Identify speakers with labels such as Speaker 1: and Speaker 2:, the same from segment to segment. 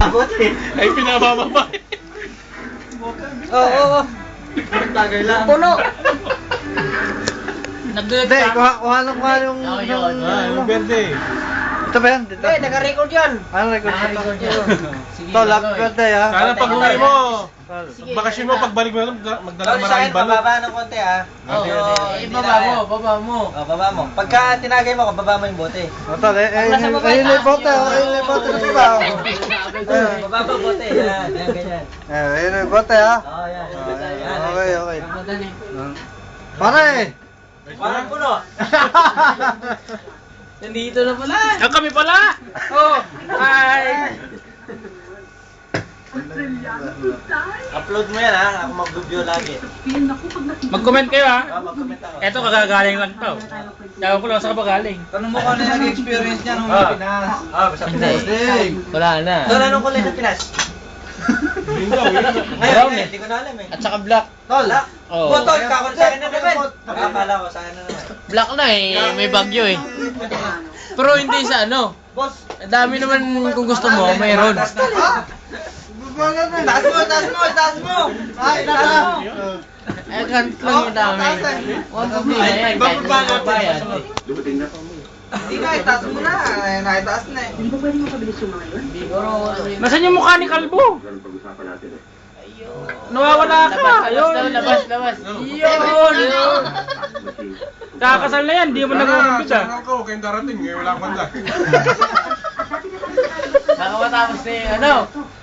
Speaker 1: Ay, pinabababa.
Speaker 2: Oo.
Speaker 3: Tagay lang.
Speaker 2: Puno.
Speaker 4: Hindi, kuha yung...
Speaker 1: Yung verde.
Speaker 4: Ito ba yan? Dito?
Speaker 2: Eh, naka-record yan.
Speaker 4: Ano record?
Speaker 2: Naka-record yan.
Speaker 4: Ito, love birthday ha.
Speaker 1: Sana pag uwi mo,
Speaker 2: Sige.
Speaker 1: bakasyon mo, pagbalik mo, magdala
Speaker 3: Sorry sa akin,
Speaker 1: maraming balot.
Speaker 3: bababa ng konti ah.
Speaker 2: Baba mo.
Speaker 3: Oh, baba mo. Pagka tinagay mo, baba mo yung bote.
Speaker 4: O, tol, ayun yung bote, ayun yung bote ng iba.
Speaker 3: Baba mo bote. Yan, yan, ganyan.
Speaker 4: Ayun yung bote ha.
Speaker 3: Oh, yan.
Speaker 4: Okay, okay. Pare!
Speaker 3: Parang puno.
Speaker 2: Nandito na pala.
Speaker 1: Ang kami pala!
Speaker 2: Oh, hi.
Speaker 3: Upload mo yan ha. Ako mag-review lagi.
Speaker 1: Mag-comment kayo ha.
Speaker 3: Mag-comment ako.
Speaker 1: Eto, kagagaling lang to. Ewan ko lang sa kapagaling.
Speaker 4: Tanong mo kung ano yung nag-experience niya nung Pinas.
Speaker 3: Basta Pinas.
Speaker 2: Wala na.
Speaker 3: Tol, anong kulay ng Pinas? Ngayon, hindi ko na alam eh.
Speaker 2: At saka black.
Speaker 3: Tol,
Speaker 2: Oo.
Speaker 3: Tol, kakon sa akin na naman. Akala ko sa akin na naman.
Speaker 2: Black na eh. May bagyo eh. Pero hindi sa ano.
Speaker 3: Boss,
Speaker 2: Ang dami naman kung gusto mo, mayroon.
Speaker 3: taas mo! Ay, taas mo!
Speaker 2: Eh, ganit lang yung dami. Huwag problema yan. Kahit hindi mo bayad.
Speaker 3: Hindi na, itaas mo na. Naitaas na eh.
Speaker 1: Nasaan yung mukha ni Kalbo? Nawawala ka. Ayun.
Speaker 2: Labas.
Speaker 1: Yun. Kakasal na yan, di mo nag-uumpit ah.
Speaker 5: Ako, kayong darating, eh, wala akong handa.
Speaker 2: Baka matapos na yung ano.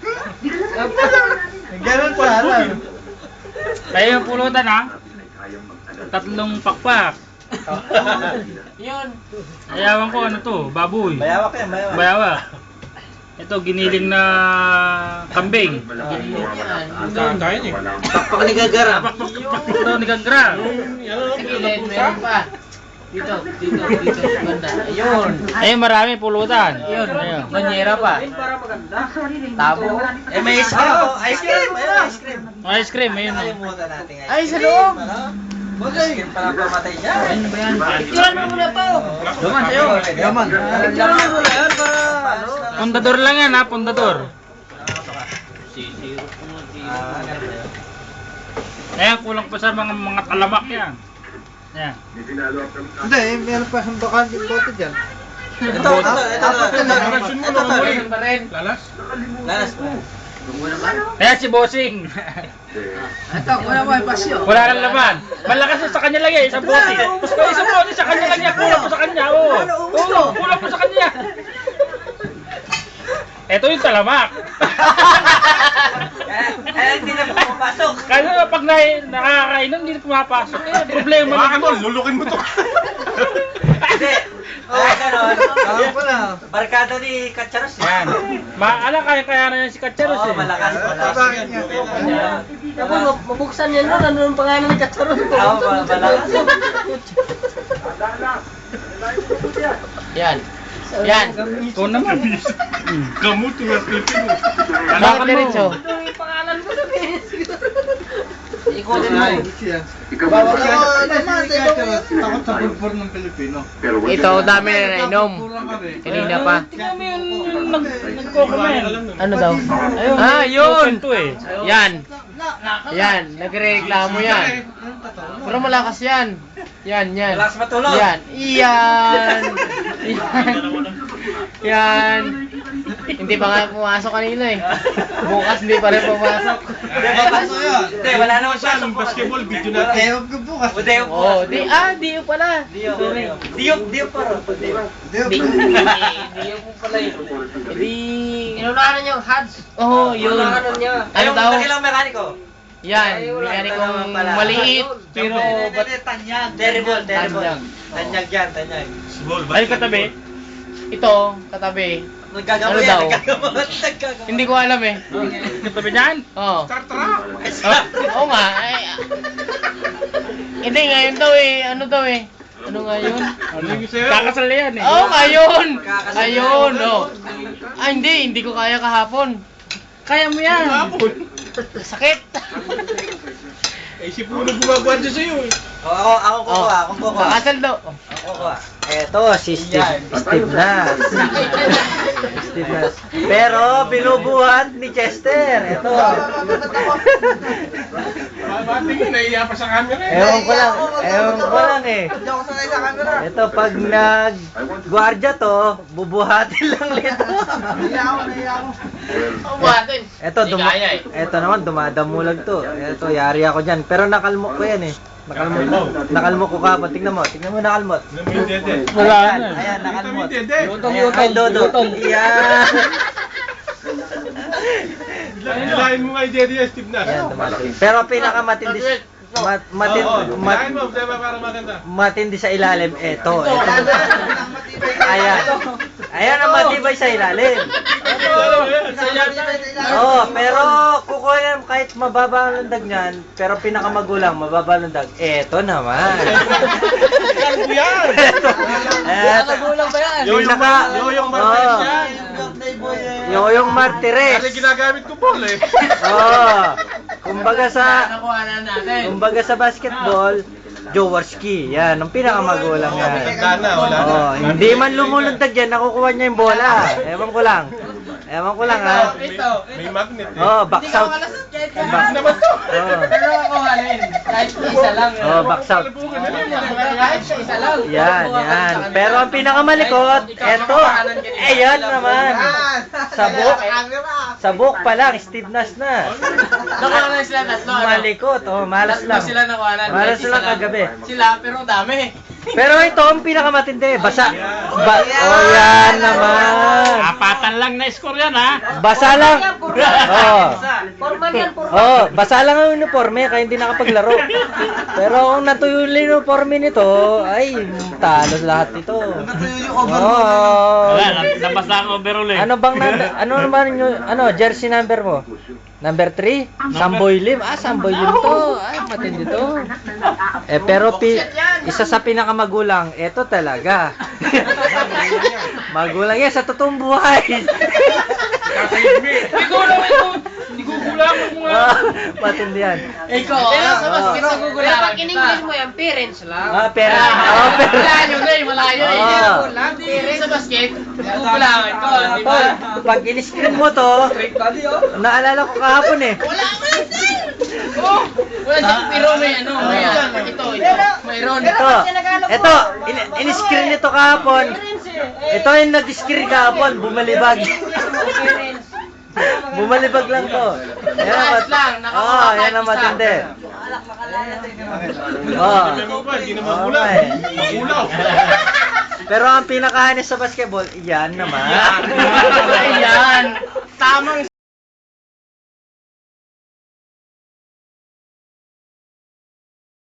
Speaker 4: Ganun sana.
Speaker 1: Kaya yung pulutan ha. 3 pakpak.
Speaker 2: Yun.
Speaker 1: Ayawan ko ano to, baboy.
Speaker 3: Bayawak yan, bayawak.
Speaker 1: Bayawak. Ito, giniling na kambing.
Speaker 5: Kakain eh.
Speaker 3: Pakpak ni Gagara.
Speaker 1: Ito, ni Gagra.
Speaker 2: Sa gilid, meron pa. Dito. Banda. Ayun.
Speaker 1: Ayun, marami pulutan.
Speaker 2: Ayun.
Speaker 1: Ayun.
Speaker 2: Banyera pa. Tabo.
Speaker 3: Eh, may ice cream ako. Ice cream! Ayun, ice cream.
Speaker 1: Ice cream, ayun. oh.
Speaker 3: Nakalimutan natin ice cream.
Speaker 2: Ay, sa loob.
Speaker 3: Ice cream pala pamatay dyan.
Speaker 2: Picturean mo muna pa.
Speaker 1: Duman sa'yo.
Speaker 4: Yaman.
Speaker 3: Picturean mo muna yan para ano.
Speaker 1: Pundador lang yan ha, pundador. Ayan, kulang pa sa mga talamak yan. Ayan.
Speaker 4: Hindi, meron pa siyang bakante bote dyan.
Speaker 3: Ito.
Speaker 2: Ayun pa rin.
Speaker 5: Lalas?
Speaker 3: Lalas pa.
Speaker 1: Ayan si Bossing.
Speaker 2: Ito, wala mo pasyo.
Speaker 1: Wala nang laman. Malakas yun sa kanya lang eh, isang bote. Isang bote sa kanya lang yan, kulang pa sa kanya. Oo, kulang pa sa kanya. Ito yung talamak.
Speaker 3: Hindi na pumapasok.
Speaker 1: Kasi pag nakakainom, hindi na pumapasok. Eh, problema
Speaker 5: Baka
Speaker 1: na.
Speaker 5: tol, lulukin mo to.
Speaker 3: Hindi. Ganon.
Speaker 4: Alam ko na.
Speaker 3: Barkada ni Katsaros.
Speaker 1: Yan. Kaya na yan si Katsaros
Speaker 3: Oo,
Speaker 1: eh.
Speaker 3: malakas.
Speaker 4: Bakit niya?
Speaker 2: Tapos mabuksan yan nun, ano yung pangalan ng Katsaron ko?
Speaker 3: Oo, malakas.
Speaker 2: Yan. Yan.
Speaker 1: Ikaw naman.
Speaker 5: Gamot yung napitin mo.
Speaker 2: Bakit diretso?
Speaker 3: Yung pangalan mo na
Speaker 2: Ikutin mo.
Speaker 4: Bawal ka naman, takot sa bulbur ng Pilipino.
Speaker 2: Ito, dami na nainom. Kanina pa.
Speaker 1: Tingnan mo yung nagko-comment.
Speaker 2: Ano daw?
Speaker 1: Ayun.
Speaker 2: Ah, yun!
Speaker 1: Ito eh.
Speaker 2: Yan. Yan, nagre-reklamo yan. Pero malakas yan. Yan.
Speaker 3: Malakas matulog.
Speaker 2: Yan. Yan. Yan. Hindi pa nga pumasok kanina eh. Bukas hindi pa rin pumasok.
Speaker 3: Hindi, wala naman siya.
Speaker 5: Basketball, video natin.
Speaker 4: Ewan ko bukas.
Speaker 3: Udeo
Speaker 2: Oh, Dio pala.
Speaker 3: Dio paro.
Speaker 2: Dio po pala yun. Hindi... Inunahan niyo, Hads. Oo, yun. Ano
Speaker 3: Ayong
Speaker 2: daw?
Speaker 3: dakilang mekaniko.
Speaker 2: Yan, mekanikong maliit, pero ba't...
Speaker 3: Terrible.
Speaker 2: Tanyag.
Speaker 3: Tanyag yan, tanyag.
Speaker 1: Ay, katabi.
Speaker 2: Ito, katabi.
Speaker 3: Nagkagamo
Speaker 2: Ano
Speaker 3: yan,
Speaker 2: daw?
Speaker 3: nagkagamo.
Speaker 2: Hindi ko alam eh.
Speaker 1: Katabi niyan.
Speaker 2: Oo.
Speaker 5: Star Trek!
Speaker 2: Oo nga. Hindi, ngayon daw eh. Ano daw eh? Ano nga yun?
Speaker 5: Ano yung sa'yo?
Speaker 1: Kakasal na yan eh.
Speaker 2: Oo, ngayon!
Speaker 3: Kakasal
Speaker 2: Ayun,
Speaker 3: na
Speaker 2: oh. Ah, hindi ko kaya kahapon.
Speaker 1: Kaya mo yan.
Speaker 2: Sakit.
Speaker 5: Eh, si Puno gumagawa dyan sa'yo eh.
Speaker 3: Ako kukuha, ako kukuha.
Speaker 2: Kakasal daw.
Speaker 3: Ako kukuha. Eto, si Steve na.
Speaker 6: Stiffness. Pero binubuhat ni Chester. Ito.
Speaker 5: Matingin, naiiya pa sa camera eh.
Speaker 6: Ewan ko lang eh.
Speaker 3: Hindi ako sanay sa camera.
Speaker 6: Ito, pag nag-guardia to, bubuhatin lang nito.
Speaker 3: Naiya ako.
Speaker 2: Buhatin.
Speaker 6: Ito, ito naman, dumadamulag to. Ito, yari ako dyan. Pero nakalmok ko yan eh. Nakalmok ko kapon. Tingnan mo, nakalmot.
Speaker 5: Alam mo yung dede.
Speaker 1: Wala
Speaker 6: Ayan,
Speaker 1: na.
Speaker 6: ayan, nakalmot.
Speaker 5: Dede.
Speaker 6: Ayan, Dodo. Yan.
Speaker 5: Hilahin mo nga yung dede yung Steve Nash.
Speaker 6: Ayan, dumating. Pero pinakamatindi,
Speaker 5: Hilahin mo, diba para maganda.
Speaker 6: matindi sa ilalim, eto. Ayan. Ayan ang matibay sa ilalim. Oh, pero kukunin kahit mababa ang landag niyan, pero pinakamagulang, mababa ang landag. Eto naman.
Speaker 5: Ano yan?
Speaker 6: Eto.
Speaker 2: ba yan?
Speaker 5: Yoyong Martinez
Speaker 6: Oh.
Speaker 5: yan.
Speaker 6: Yoyong Martires.
Speaker 5: Kasi ginagamit ko ball eh.
Speaker 6: Oh. Kumbaga
Speaker 2: Nakuha natin.
Speaker 6: sa basketball, Jaworski. Yan, ang pinakamagulang yan.
Speaker 5: Matanda na, wala na.
Speaker 6: Oh, hindi man lumulundag yan, nakukuha niya yung bola. Ewan ko lang. Ha.
Speaker 5: May magnet eh.
Speaker 6: Oh, box out.
Speaker 5: Ano naman to?
Speaker 6: Oh.
Speaker 2: Pero nakuhanin. Kahit isa lang.
Speaker 6: Oh, box out.
Speaker 2: Kahit isa lang.
Speaker 6: Yan. Pero ang pinakamalikot, eto. Ayan naman. Sabok pa lang, Steve Nash na.
Speaker 2: Nakuhanan sila tatlo.
Speaker 6: Malikot, oh, malas lang.
Speaker 2: Sila nakuhanan.
Speaker 6: Malas lang kagabi.
Speaker 2: Sila, pero dami.
Speaker 6: Pero ito ang pinakamatindi, basa. Oh, yan naman.
Speaker 1: Apatan lang na score yan ha.
Speaker 6: Basa lang. Oh, basa lang ang uniforme kaya hindi nakapaglaro. Pero kung natuyo yung uniforme nito, ay talo lahat ito. Oh.
Speaker 1: Wala, nabasa ang overall eh.
Speaker 6: Ano bang ano naman yung jersey number mo? Number 3? Samboy Lim. Samboy Lim to. Ay, matindi to. Pero isa sa pinakamagulang, eto talaga. Magulang yan sa totoong buhay.
Speaker 1: Hindi ko kulang mo nga.
Speaker 6: Matindi yan.
Speaker 2: Ikaw,
Speaker 6: Pero
Speaker 2: sa basket
Speaker 6: oh.
Speaker 2: sa Google.
Speaker 7: Pero pag in-English mo yan, parents lang.
Speaker 6: Parents.
Speaker 2: Malayo na eh, malayo eh.
Speaker 6: Oh.
Speaker 2: Hindi sa basket, gugulangan ko, di ba?
Speaker 6: Pag in-screen mo to, naalala ko kahapon eh.
Speaker 2: Wala siyang pero may ano, may ito, mayroon.
Speaker 6: Ito, in-screen nito kahapon. Ito yung nag-screen kahapon, bumalibag. Bumalibag lang to.
Speaker 2: Ayos lang,
Speaker 6: Oh, yan ang matindi. Oh.
Speaker 5: Hindi naman kulang. Makulaw.
Speaker 6: Pero ang pinakahanis sa basketball, yan naman.
Speaker 2: Ayan, tamang